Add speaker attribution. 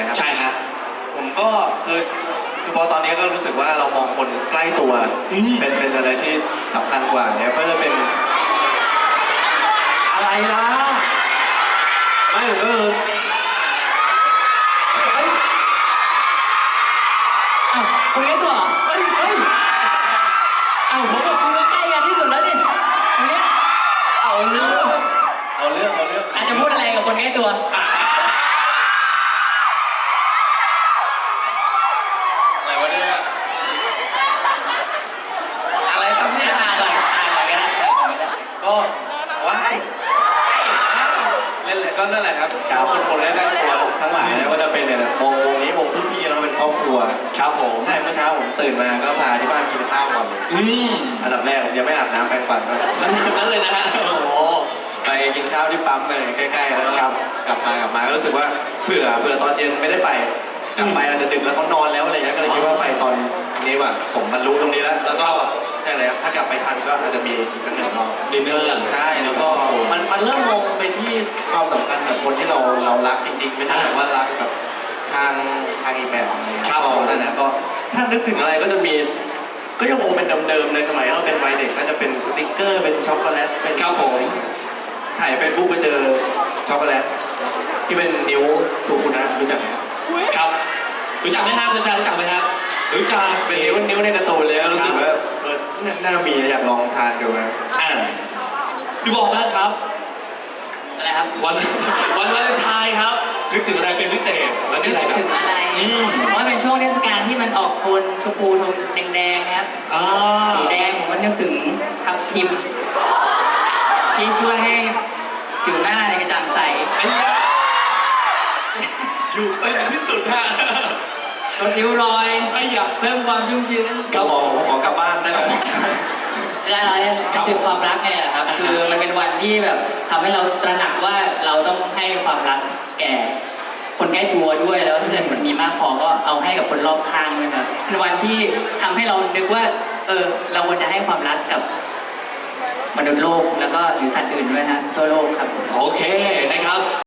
Speaker 1: ครับ
Speaker 2: ใช่ครับ
Speaker 1: ผมก็คือพอตอนนี้ก็รู้สึกว่าเรามองคนใกล้ตัวเป็นอะไรที่สำคัญกว่าเนี่ยก็จะเป็นอะไรล่ะไม่ก็คือ
Speaker 3: อ้าวคุณใกล้ตัวเหรอเฮ้ยอ้าวผมกับคุณก็ใกล้กันที่สุดแล้วดิตรงเนี้ย
Speaker 1: เอาเรื่อง
Speaker 3: อาจจะพูดอะไรกับคนใกล้ตัว
Speaker 1: อะไรวะเนี่ยอะไรครับเนี่ย
Speaker 3: อ่านก่อนก็ได้
Speaker 1: ก็ว่าเล่นเลยก็นั่นแหละครับชาวคนแรกตัวทั้งหลายว่าจะเป็นเนี่ยวงนี้วงพี่ๆแล้วเป็นครอบครัว
Speaker 2: ครับผม
Speaker 1: ใช่เมื่อเช้าผมตื่นมาก็พาที่บ้านกินข้าวก่อนอันดับแรกผมยังไม่อาบน้ำแปรงฟัน
Speaker 2: นั่นเลยนะฮะโอ้โห
Speaker 1: ไปกินข้าวที่ปั๊มเลยใกล้ๆแล้วกลับมาก็รู้สึกว่าเผื่อตอนเย็นไม่ได้ไปกลับไปอาจจะดึกแล้วเขานอนแล้วอะไรเงี้ยก็เลยคิดว่าไปตอนนี้ว่ะผมบรรลุตรงนี้แล้วก็ใช่เลยถ้ากลับไปทันก็อาจจะมีอีกสักหนึ่งรอบ
Speaker 2: ดินเนอร์
Speaker 1: ใช่แล้วก็มันเริ่มมองไปที่ความสำคัญกับคนที่เรารักจริงๆไม่ใช่แบบว่ารักกับทางอีกแบบ
Speaker 2: ครับ
Speaker 1: นั่นนะก็ถ้านึกถึงอะไรก็จะมีก็ยังคงเป็นเดิมๆในสมัยเราเป็นวัยเด็กก็จะเป็นสติ๊กเกอร์เป็นช็อกโกแลตเป็น
Speaker 2: ครับผม
Speaker 1: ถ่ายเฟซบุ๊กไปเจอช็อกโกแลตที่เป็นนิ้วซูคุนะรู้จักไหม
Speaker 2: ครับรู้จักไหมครับคุณแฟนรู้จักไหมครับรู้จัก
Speaker 1: เป็นนิ้วในการ์ตูนเลยรู้สึกว่าน่ามีอยากลองทานดูนะ
Speaker 2: ดูบอกมากครับ
Speaker 3: อะไรครับ
Speaker 2: วันวาเลนไทน์ครับนึกถึงอะไรเป็นพิเศษแล้วนี่อะไรครับ
Speaker 3: ถึงอะไรเพราะเป็นช่วงเทศกาลที่มันออกโทนชมพูโทนแดงๆครับสีแดงผมก็นึกถึงทับทิมที่ช่วยให้ผิวหน้าในกระจ่างใส
Speaker 2: อยู่เป็นที่สุดฮะ
Speaker 3: ลดริ้วรอยเพิ่มความชุ่มชื้น
Speaker 1: ก็ขอกลับบ้านได้ไหม
Speaker 3: เราเนี่ยคือความรักไงครับคือมันเป็นวันที่แบบทำให้เราตระหนักว่าเราต้องให้ความรักแก่คนใกล้ตัวด้วยแล้วถ้าเกิดมันมีมากพอก็เอาให้กับคนรอบข้างด้วยครับเป็นวันที่ทำให้เรานึกว่าเราควรจะให้ความรักกับมนุษย์โลกแล้วก็หรือสัตว์อื่นด้วยฮะทั่วโลกครับ
Speaker 2: โอเคนะครับ